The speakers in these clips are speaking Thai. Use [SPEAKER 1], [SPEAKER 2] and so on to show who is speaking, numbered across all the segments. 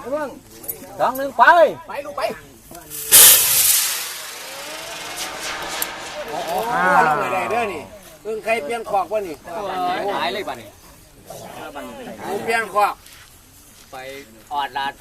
[SPEAKER 1] 2 1ไปลูกไปลงได้เด้อนี่ใครเปลี่ยนขอกวะนี่หายเลยบัดนี้เปลี่ยนขอกไปออดลาด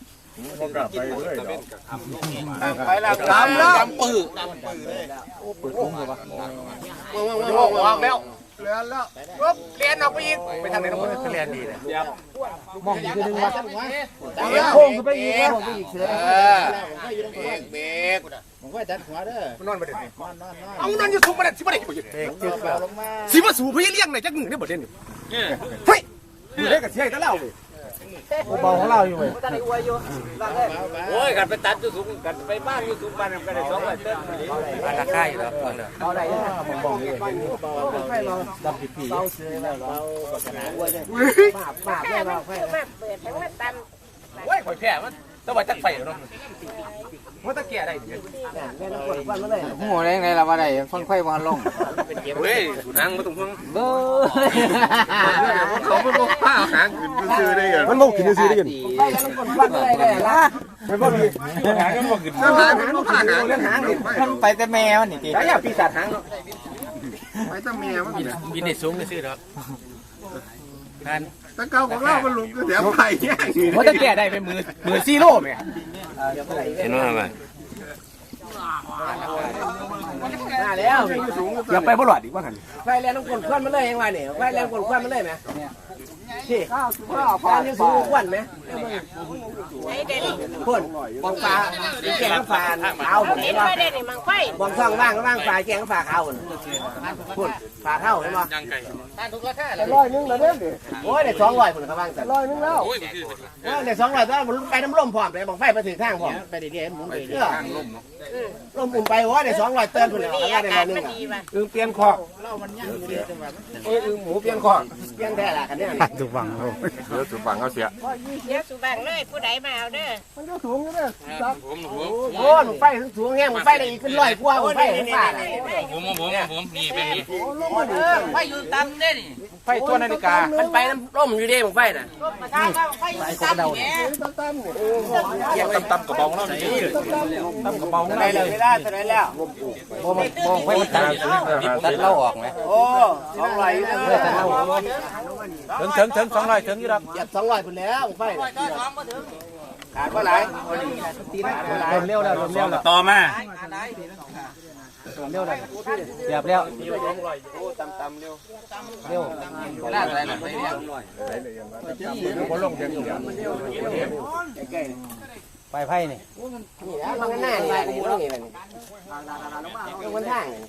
[SPEAKER 1] ไปแล้วดำแล้วดำปื้อโอ้ปื้อคุ้มเลยวะออกแล้วเรียนแล้วปุ๊บเรียนออกไปอีกไปทางไหนน้องคนเรียนดีเลยมองอีกทีนึงว่าโค้งไปอีกโค้งไปอีกเสือเบรกผมก็จัดหัวเด้อนอนประเด็นเอานั่นจะสูบประเด็นสิประเด็นสิว่าสูบเพื่อเลี้ยงไหนจักหนึ่งได้ประเด็นเฮ้ยดูได้กับเชี่ยตะเล่าเลยเบาของเราอยู่เลยโอ้ยกันไปตัดอยู่สูงกันไปบ้านอยู่สูงบ้านกันได้200 ต้นบ้านราคาอยู่แล้วเอาได้ผมบอกเลยให้เราดับผิดผีเราซื้อแล้วเราปากเนี่ยเราให้โอ้ยข่อยแพ้มันต้องไปจักไฟเนาะมันตะเกียได้หัวแรงไงล่ะว่าได้ฟังไฟวางลงเฮ้ยนั่งมาตรงห้องเบ้อเขาไม่บอกผ้าหางขึ้นซื้อได้กันมันบอกขึ้นซื้อได้กันไฟแล้วมันคนฟังอะไรได้ล่ะมันบอกหางมันบอกขึ้นหางมันผ้าหางเรื่องหางมันไปแต่แมวนี่ทีแล้วอย่าปีศาจหางไปแต่แมวมันบินในสูงซื้อหรอกนั่นตะเกาของเรามันลุกเดี๋ยวไปแย่งมันตะเกียได้เป็นมือซีโร่ไหมเห็นว่าอะไรมาแล้วอย่าไปบ่หลอดอีกว่าหันไฟแรงน้ำกลนควันมันเลยยังไงเนี่ยไฟแรงกลนควันมันเลยไหมที่ฟ้านี่สูงควันไหมพ่นบองฟ้าแกงฟ้าขาวเห็นไหมบองช่องว่างฟ้าแกงฟ้าขาวพ่นฟ้าเท่าเห็นไหม100แล้วเนี่ยโอ้ยได้200พ่นเขาว่างแต่100แล้วได้200แล้วไปน้ำร่มพร้อมเลยบองไฟไปถึงทางพร้อมไปดีๆหมุนไปทางร่มร่มอุ่นไปว่าได้200 เตือนพ่นเลยเอาได้100เปลี่ยนคอกหมูเปลี่ยนคอกเปลี่ยนแท้ละกันเนี่ยสุบังเดี๋ยวสุบังเขาเสีย
[SPEAKER 2] เดี๋ยวสุบังเลยผู้ใดมาเอาเด้อ
[SPEAKER 1] มันก็สูงอยู่เด้อโอ้หนูไฟสูงแห้งหนูไฟได้อีกเป็น100 กว่าหนูไฟ
[SPEAKER 3] ผมนี่เป็นนี่
[SPEAKER 2] ไฟอยู่ต่ำเด้นี่
[SPEAKER 1] ไฟตัวนาฬิกามันไปน้ำร่มอยู่เด้ผมไฟน่ะ
[SPEAKER 2] ไฟอยู่ต่ำเนี่ย
[SPEAKER 3] ตั้มกระเป๋าแล้วนี่
[SPEAKER 1] ตั้มกระเป๋าได้เลยไม่ได้เท่าไรแล้วมองไฟมันตัดเล่าออกไหมโอ้200เลยถึง200ถึงอยู่ครับ200คนแล้วไฟขาดว่าไหนเร็วแล้ว
[SPEAKER 3] ต่อมา
[SPEAKER 1] เร็วเลยเรียบเร็วตำเร็วล่าอะไรนะไปเนี่ยไปไพ่นี่มันหน้านี่กูรู้นี่มันทาง